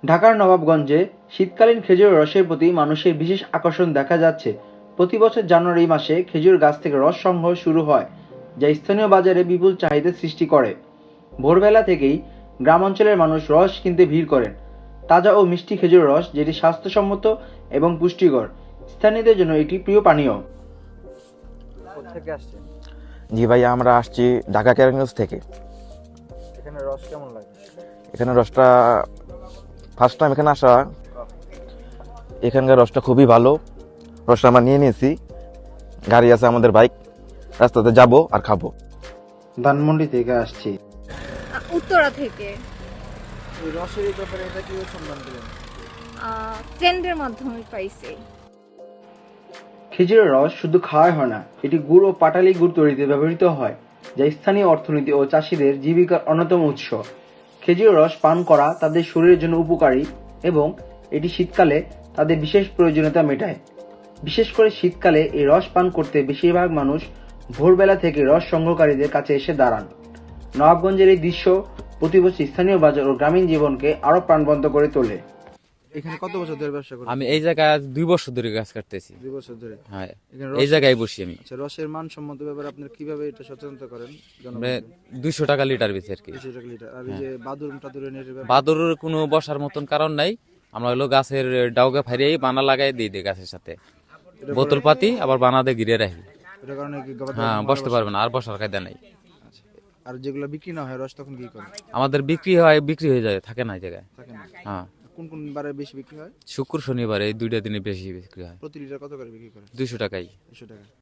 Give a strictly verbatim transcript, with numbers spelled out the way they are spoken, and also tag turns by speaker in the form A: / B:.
A: ঢাকার নবাবগঞ্জে শীতকালীন খেজুরের রসের প্রতি মানুষের বিশেষ আকর্ষণ দেখা যাচ্ছে। প্রতি বছর জানুয়ারি মাসে খেজুর গাছ থেকে রস সংগ্রহ শুরু হয়, যা স্থানীয় বাজারে বিপুল চাহিদা সৃষ্টি করে। ভোরবেলা থেকেই গ্রাম অঞ্চলের মানুষ রস কিনতে ভিড় করেন। তাজা ও মিষ্টি খেজুরের রস, যেটি স্বাস্থ্যসম্মত এবং পুষ্টিকর, স্থানীয়দের জন্য একটি প্রিয় পানীয়।
B: কোথেকে আসছেন?
C: জি ভাই, আমরা আসছি ঢাকা কেরানীগঞ্জ থেকে।
B: এখানে রস কেমন লাগে?
C: এখানে রসটা ফার্স্ট টাইম এখানে আসা, এখানকার রসটা খুবই ভালো। রসটা আমরা নিয়ে নিয়েছি, গাড়ি আছে আমাদের, বাইক, রাস্তাতে যাব আর খাবো।
A: ধানমন্ডি থেকে আসছি।
D: উত্তরা থেকে।
B: এই রসের এই ব্যাপারে এটা কি সন্ধান দিলেন?
D: ফ্রেন্ডের মাধ্যমে পাইছি।
A: খেজুরের রস শুধু খাওয়াই হয় না, এটি গুড় ও পাটালি গুড় তৈরিতে ব্যবহৃত হয়, যা স্থানীয় অর্থনীতি ও চাষিদের জীবিকার অন্যতম উৎস। খেজুরের রস পান করা তাদের শরীরের জন্য উপকারী এবং এটি শীতকালে তাদের বিশেষ প্রয়োজনীয়তা মেটায়। বিশেষ করে শীতকালে এই রস পান করতে বেশিরভাগ মানুষ ভোরবেলা থেকে রস সংগ্রহকারীদের কাছে এসে দাঁড়ান। নবাবগঞ্জের এই দৃশ্য প্রতি বছর স্থানীয় বাজার ও গ্রামীণ জীবনকে আরো প্রাণবন্ত করে তোলে।
B: এখানে কত বছর ধরে ব্যবসা করেন?
E: আমি এই জায়গায় আজ দুই বছর ধরে কাজ করতেছি।
B: দুই বছর ধরে।
E: হ্যাঁ,
B: এখানে
E: এই
B: রস-
E: জায়গায় বসি আমি।
B: আচ্ছা, রসের মান সম্মত ব্যাপারে আপনারা কিভাবে এটা সচেতনতা করেন?
E: মানে দুইশো টাকা লিটার বেশি আর কি।
B: দুইশো টাকা লিটার। আর এই যে বাদুর টাদুরের নেটের ব্যাপারে
E: বাদুরের কোনো বসার মতন কারণ নাই। আমরা হলো গাছের ডাউকে ফারিয়ে বানা লাগাই দিই দিই গাছের সাথে, বোতল পাতি আবার বানাতে ঘিরে রাখি।
B: এটার কারণে কি গবাদি
E: হ্যাঁ,
B: পশু
E: বসতে
B: মারা
E: পারবে না, আর বসার কায়দা নাই।
B: আচ্ছা। আর যেগুলো বিক্রি না হয় রস তখন কি করেন?
E: আমাদের বিক্রি হয়, বিক্রি হয়ে যায়, থাকে না এই জায়গায়।
B: থাকে না।
E: হ্যাঁ,
B: কোন কোন বারে বেশি বিক্রি হয়?
E: শুক্র শনিবার এই দুইটা দিনে বেশি বিক্রি হয়।
B: প্রতি লিটার কত করে বিক্রি করেন?
E: দুইশো টাকাই।
B: দুশো টাকা।